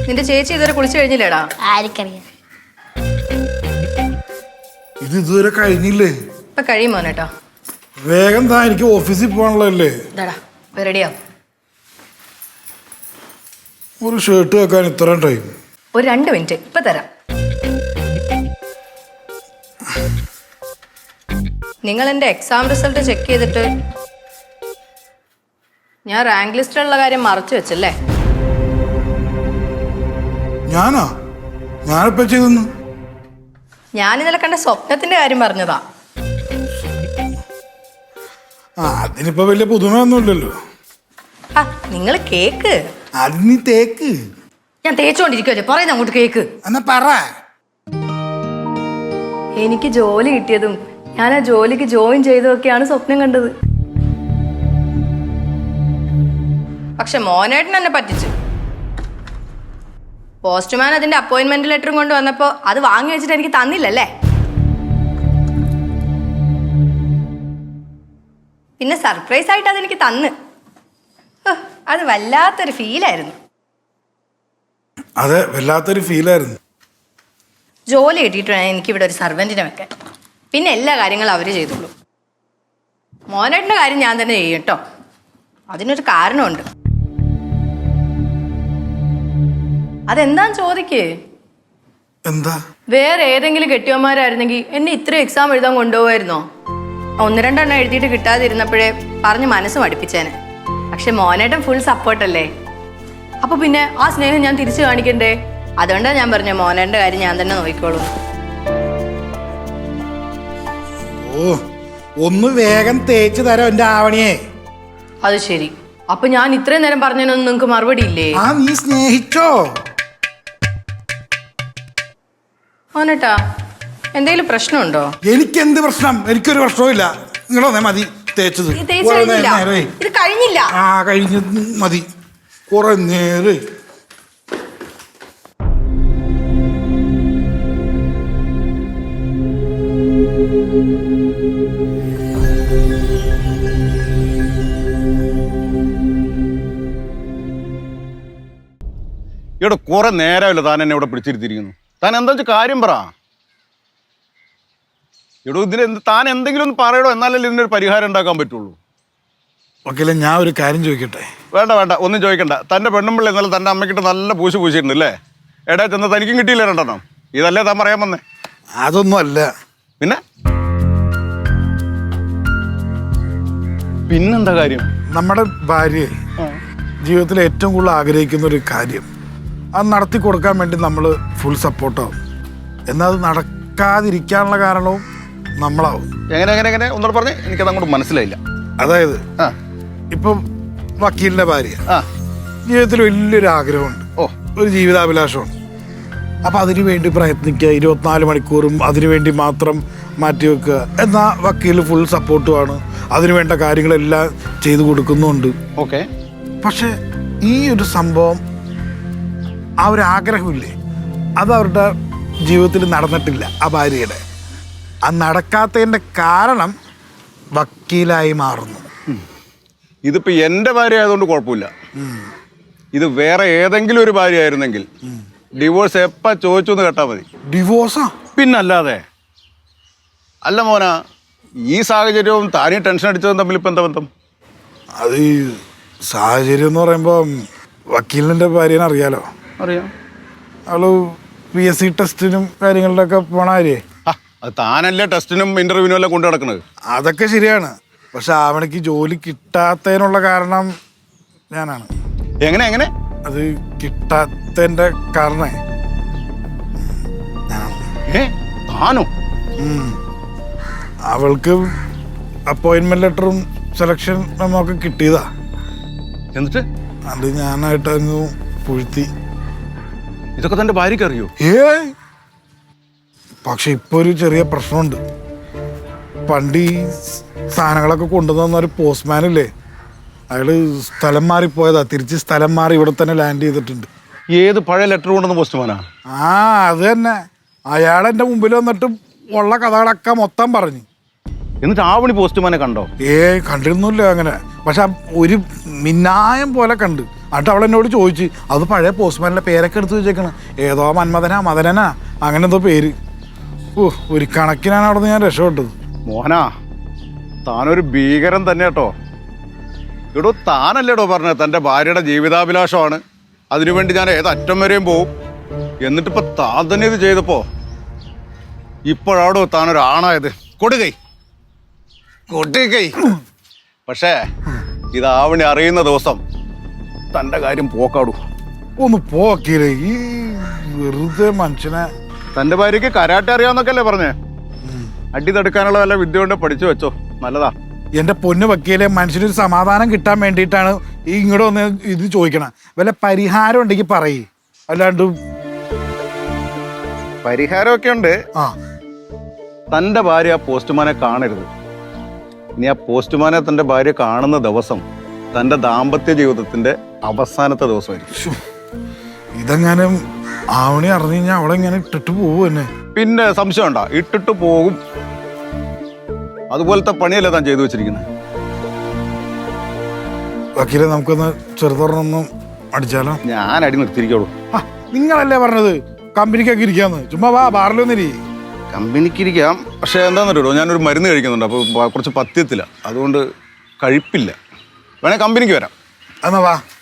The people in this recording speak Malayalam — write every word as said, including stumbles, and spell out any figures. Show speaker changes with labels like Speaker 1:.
Speaker 1: നിന്റെ ചേച്ചി ഇതുവരെ കുളിച്ചു കഴിഞ്ഞില്ലേടാ?
Speaker 2: ആർക്കറിയാം.
Speaker 3: ഇത് ഇതുവരെ കഴിഞ്ഞില്ലേ?
Speaker 1: ഇപ്പൊ കഴിയും മോനേട്ടോ.
Speaker 3: വേഗം താ, എനിക്ക് ഓഫീസിൽ പോകാനുള്ളതല്ലേ.
Speaker 1: റെഡിയാ.
Speaker 3: ഒരു ഷർട്ട് വെക്കാൻ ഇത്രയും ടൈം?
Speaker 1: ഒരു രണ്ട് മിനിറ്റ് ഇപ്പൊ തരാം. നിങ്ങൾ എന്റെ എക്സാം റിസൾട്ട് ചെക്ക് ചെയ്തിട്ട് ഞാൻ റാങ്ക് ലിസ്റ്റിലുള്ള കാര്യം മറച്ചു വെച്ചല്ലേ?
Speaker 3: ഞാനാ? ഞാനിപ്പോ ചെയ്തെന്ന്?
Speaker 1: ഞാൻ ഇന്നലെ കണ്ട സ്വപ്നത്തിന്റെ കാര്യം പറഞ്ഞതാ.
Speaker 3: ആ, അതിനിപ്പോ വലിയ പുതുമയൊന്നുമില്ലല്ലോ.
Speaker 1: ആ നിങ്ങൾ കേക്ക്.
Speaker 3: അത് നീ തേക്ക്.
Speaker 1: ഞാൻ തേച്ചോണ്ടിരിക്കുവല്ലേ, പറയുന്ന അങ്ങോട്ട് കേക്ക്.
Speaker 3: എന്നാ പറ.
Speaker 1: എനിക്ക് ജോലി കിട്ടിയതും ഞാൻ ആ ജോലിക്ക് ജോയിൻ ചെയ്തതൊക്കെയാണ് സ്വപ്നം കണ്ടത്. പക്ഷെ മോനേട്ടൻ എന്നെ പറ്റിച്ചു. പോസ്റ്റ്മാൻ അതിന്റെ അപ്പോയിന്റ്മെന്റ് ലെറ്ററും കൊണ്ട് വന്നപ്പോ അത് വാങ്ങി വെച്ചിട്ട് എനിക്ക് തന്നില്ലല്ലേ. പിന്നെ സർപ്രൈസ് ആയിട്ട് അതെനിക്ക് തന്ന്. അത് വല്ലാത്തൊരു ഫീലായിരുന്നു.
Speaker 3: അതെ, വല്ലാത്തൊരു ഫീലായിരുന്നു.
Speaker 1: ജോലി കിട്ടിയിട്ട് വേണം എനിക്കിവിടെ ഒരു സർവൻറ്റിനെ വെക്കാൻ. പിന്നെ എല്ലാ കാര്യങ്ങളും അവർ ചെയ്തോളൂ. മോനേട്ടൻ്റെ കാര്യം ഞാൻ തന്നെ ചെയ്യും കേട്ടോ. അതിനൊരു കാരണമുണ്ട്. അതെന്താന്ന് ചോദിക്കേ.
Speaker 3: എന്താ?
Speaker 1: വേറെ ഏതെങ്കിലും കെട്ടിയന്മാരായിരുന്നെങ്കിൽ എന്നെ ഇത്രയും എക്സാം എഴുതാൻ കൊണ്ടുപോകായിരുന്നോ? ഒന്ന് രണ്ടെണ്ണം എഴുതിയിട്ട് കിട്ടാതിരുന്നപ്പോഴേ പറഞ്ഞ് മനസ്സ് മടുപ്പിച്ചേനെ. പക്ഷെ മോനേട്ടൻ ഫുൾ സപ്പോർട്ടല്ലേ. അപ്പൊ പിന്നെ ആ സ്നേഹം ഞാൻ തിരിച്ചു കാണിക്കണ്ടേ? അതുകൊണ്ടാണ് ഞാൻ പറഞ്ഞ മോനേട്ടൻ്റെ കാര്യം ഞാൻ തന്നെ നോക്കിക്കോളൂ.
Speaker 3: ഓ, ഒന്ന് വേഗം തേച്ച് തരാം എന്റെ ആവണിയെ.
Speaker 1: അത് ശരി. അപ്പൊ ഞാൻ ഇത്രയും നേരം പറഞ്ഞതിനൊന്നും നിങ്ങക്ക് മറുപടി ഇല്ലേ?
Speaker 3: ആ, നീ സ്നേഹിച്ചോ?
Speaker 1: മോനേട്ടാ, എന്തെങ്കിലും പ്രശ്നമുണ്ടോ?
Speaker 3: എനിക്ക് എന്ത് പ്രശ്നം? എനിക്കൊരു പ്രശ്നവും ഇല്ല. നിങ്ങളെ മതി തേച്ചത്.
Speaker 1: ഇത് കഴിഞ്ഞില്ല.
Speaker 3: ആ, കഴിഞ്ഞ മതി. കുറെ നേരെ
Speaker 4: ഇവിടെ കുറെ നേരമല്ല താൻ എന്നെ ഇവിടെ പിടിച്ചിരുത്തിയിരിക്കുന്നു. താൻ എന്താ വെച്ചാൽ കാര്യം പറ. ഇവിടെ ഇതിന് എന്ത് താൻ എന്തെങ്കിലും ഒന്ന് പറയടോ, എന്നാലല്ലേ ഇതിനൊരു പരിഹാരം ഉണ്ടാക്കാൻ പറ്റുള്ളൂ.
Speaker 3: ഓക്കെ, ഞാൻ ഒരു കാര്യം ചോദിക്കട്ടെ?
Speaker 4: വേണ്ട വേണ്ട, ഒന്നും ചോദിക്കണ്ട. തൻ്റെ പെണ്ണുമ്പിള്ള ഇന്നലെ തൻ്റെ അമ്മയ്ക്കിട്ട് നല്ല പൂശി പൂശിയിട്ടുണ്ട് അല്ലേ? എടാ ചെന്ന് തനിക്കും കിട്ടിയില്ല രണ്ടെണ്ണം. ഇതല്ലേ താൻ പറയാൻ വന്നേ?
Speaker 3: അതൊന്നും അല്ല.
Speaker 4: പിന്നെ പിന്നെന്താ കാര്യം? നമ്മുടെ
Speaker 3: ഭാര്യ ജീവിതത്തിൽ ഏറ്റവും കൂടുതൽ ആഗ്രഹിക്കുന്ന ഒരു കാര്യം, അത് നടത്തി കൊടുക്കാൻ വേണ്ടി നമ്മൾ ഫുൾ സപ്പോർട്ടാവും. എന്നാൽ അത് നടക്കാതിരിക്കാനുള്ള കാരണവും നമ്മളാവും.
Speaker 4: എങ്ങനെ എങ്ങനെ എങ്ങനെ ഒന്നുകൂടെ പറഞ്ഞേ, എനിക്കത് അങ്ങോട്ട് മനസ്സിലായില്ല.
Speaker 3: അതായത് ഇപ്പം വക്കീലിന്റെ ഭാര്യ ജീവിതത്തിൽ വലിയൊരു ആഗ്രഹമുണ്ട്,
Speaker 4: ഓ
Speaker 3: ഒരു ജീവിതാഭിലാഷമുണ്ട്. അപ്പം അതിനു വേണ്ടി പ്രയത്നിക്കുക, ഇരുപത്തിനാല് മണിക്കൂറും അതിനു വേണ്ടി മാത്രം മാറ്റി വെക്കുക. എന്നാൽ വക്കീൽ ഫുൾ സപ്പോർട്ടുമാണ്, അതിനു വേണ്ട കാര്യങ്ങളെല്ലാം ചെയ്തു കൊടുക്കുന്നുണ്ട്.
Speaker 4: ഓക്കെ.
Speaker 3: പക്ഷെ ഈ ഒരു സംഭവം, ആ ഒരു ആഗ്രഹമില്ലേ, അത് അവരുടെ ജീവിതത്തിൽ നടന്നിട്ടില്ല. ആ ഭാര്യയുടെ ആ നടക്കാത്തതിൻ്റെ കാരണം വക്കീലായി മാറുന്നു.
Speaker 4: ഇതിപ്പോ എൻ്റെ ഭാര്യ ആയതുകൊണ്ട് കുഴപ്പമില്ല. ഇത് വേറെ ഏതെങ്കിലും ഒരു ഭാര്യ ആയിരുന്നെങ്കിൽ ഡിവോഴ്സ് എപ്പ ചോദിച്ചു എന്ന് കേട്ടാ മതി.
Speaker 3: ഡിവോഴ്സാ?
Speaker 4: പിന്നല്ലാതെ. അല്ല മോന, ഈ സാഹചര്യവും താനീ ടെൻഷൻ അടിച്ചതും തമ്മിൽ ഇപ്പം എന്താ ബന്ധം?
Speaker 3: അത് ഈ സാഹചര്യം എന്ന് പറയുമ്പോൾ വക്കീലിൻ്റെ ഭാര്യനെ അറിയാലോ.
Speaker 4: അറിയാം.
Speaker 3: അവള് പി എസ് സി ടെസ്റ്റിനും കാര്യങ്ങളിലൊക്കെ പോണ കാര്യേ.
Speaker 4: അത് താനല്ലേ ടെസ്റ്റിനും ഇന്റർവ്യൂവിനും എല്ലാം കൊണ്ടു നടക്കുന്നത്.
Speaker 3: അതൊക്കെ ശരിയാണ്. പക്ഷെ അവനക്ക് ജോലി കിട്ടാത്തതിനുള്ള കാരണം ഞാനാണ്.
Speaker 4: എങ്ങനെ എങ്ങനെ?
Speaker 3: അത് കിട്ടാത്തതിൻ്റെ കാരണേ
Speaker 4: താനോ?
Speaker 3: അവൾക്ക് അപ്പോയിൻമെന്റ് ലെറ്ററും സെലക്ഷൻ നമുക്ക് കിട്ടിയതാ.
Speaker 4: എന്നിട്ട്
Speaker 3: അത് ഞാനായിട്ട് അങ്ങ് പുഴുത്തി.
Speaker 4: ഇതൊക്കെ തന്റെ ഭാര്യക്ക് അറിയോ?
Speaker 3: ഏ പക്ഷെ ഇപ്പൊ ഒരു ചെറിയ പ്രശ്നമുണ്ട്. പണ്ട് ഈ സാധനങ്ങളൊക്കെ കൊണ്ടുവന്ന ഒരു പോസ്റ്റ്മാനില്ലേ, അയാള് സ്ഥലം മാറിപ്പോയതാ. തിരിച്ച് സ്ഥലം മാറി ഇവിടെ തന്നെ ലാൻഡ് ചെയ്തിട്ടുണ്ട്.
Speaker 4: ഏത് പഴയ ലെറ്റർ കൊണ്ടുവന്ന പോസ്റ്റ്മാനാ?
Speaker 3: ആ, അത് തന്നെ. അയാൾ എൻ്റെ മുമ്പിൽ വന്നിട്ട് ഉള്ള കഥകളൊക്കെ മൊത്തം പറഞ്ഞു.
Speaker 4: എന്നിട്ട് ആ പണി പോസ്റ്റ്മാനെ കണ്ടോ?
Speaker 3: ഏ കണ്ടിരുന്നില്ല അങ്ങനെ. പക്ഷെ ഒരു മിന്നായം പോലെ കണ്ട്. എന്നിട്ട് അവൾ എന്നോട് ചോദിച്ചു അത് പഴയ പോസ്റ്റ്മാനിലെ പേരൊക്കെ എടുത്ത് വെച്ചേക്കണം, ഏതോ മന്മഥനാ മദനനാ അങ്ങനെ എന്തോ പേര്. ഓ ഒരു കണക്കിനാണ് അവിടെ നിന്ന് ഞാൻ രക്ഷപ്പെട്ടത്.
Speaker 4: മോഹനാ, താനൊരു ഭീകരൻ തന്നെ കേട്ടോ. എടോ താനല്ലേടോ പറഞ്ഞത് തൻ്റെ ഭാര്യയുടെ ജീവിതാഭിലാഷമാണ്, അതിനുവേണ്ടി ഞാൻ ഏതറ്റം വരെയും പോവും. എന്നിട്ടിപ്പോ താൻ തന്നെ ഇത് ചെയ്തപ്പോ ഇപ്പോഴാടോ താനൊരാണായത്. കൊടുകൈ കൊടുകൈ. പക്ഷേ ഇതാവണി അറിയുന്ന ദിവസം തൻ്റെ കാര്യം പോക്കാടൂ.
Speaker 3: ഒന്ന് പോക്കില്ലേ ഈ വെറുതെ മനുഷ്യനെ.
Speaker 4: തൻ്റെ ഭാര്യയ്ക്ക് കരാട്ടെ അറിയാമെന്നൊക്കെ അല്ലേ പറഞ്ഞേ? അടി തടുക്കാനുള്ള വല്ല വിദ്യ കൊണ്ട് പഠിച്ചു വെച്ചോ, നല്ലതാ.
Speaker 3: എൻ്റെ പൊന്ന് വക്കീലെ, മനുഷ്യനൊരു സമാധാനം കിട്ടാൻ വേണ്ടിയിട്ടാണ് ഈ ഇങ്ങോട്ട് വന്ന് ഇത് ചോദിക്കണം. വല്ല പരിഹാരം ഉണ്ടെങ്കിൽ പറയ്, അല്ലാണ്ട്.
Speaker 4: പരിഹാരമൊക്കെ ഉണ്ട്.
Speaker 3: ആ
Speaker 4: തൻ്റെ ഭാര്യ ആ പോസ്റ്റ്മാനെ കാണരുത്. ഇനി ആ പോസ്റ്റ്മാനെ തൻ്റെ ഭാര്യ കാണുന്ന ദിവസം തൻ്റെ ദാമ്പത്യ ജീവിതത്തിന്റെ അവസാനത്തെ ദിവസമായിരിക്കും.
Speaker 3: ശ്ശോ, ഇതെങ്ങാനും ആവണി അറിഞ്ഞു കഴിഞ്ഞാൽ അവിടെ ഇങ്ങനെ ഇട്ടിട്ട് പോകും എന്നെ.
Speaker 4: പിന്നെ സംശയം ഉണ്ടോ? ഇട്ടിട്ട് പോകും. അതുപോലത്തെ പണിയല്ലേ താൻ ചെയ്തു വെച്ചിരിക്കുന്നത്.
Speaker 3: വക്കീലെ, നമുക്കൊന്ന് ചെറുതൊരെണ്ണം അടിച്ചാലോ?
Speaker 4: ഞാൻ അടി നിർത്തിയിരിക്കോളൂ.
Speaker 3: ആ നിങ്ങളല്ലേ പറഞ്ഞത് കമ്പനിക്കൊക്കെ ഇരിക്കാന്ന്? ചുമ്മാ വാ ബാറിലൊന്നിരി.
Speaker 4: കമ്പനിക്കിരിക്കാം, പക്ഷെ എന്താണെന്നറിയോ, ഞാനൊരു മരുന്ന് കഴിക്കുന്നുണ്ട്, അപ്പോൾ കുറച്ച് പഥ്യത്തില്ല, അതുകൊണ്ട് കഴിപ്പില്ല. വേണേ കമ്പനിക്ക് വരാം.
Speaker 3: എന്നാ വാ.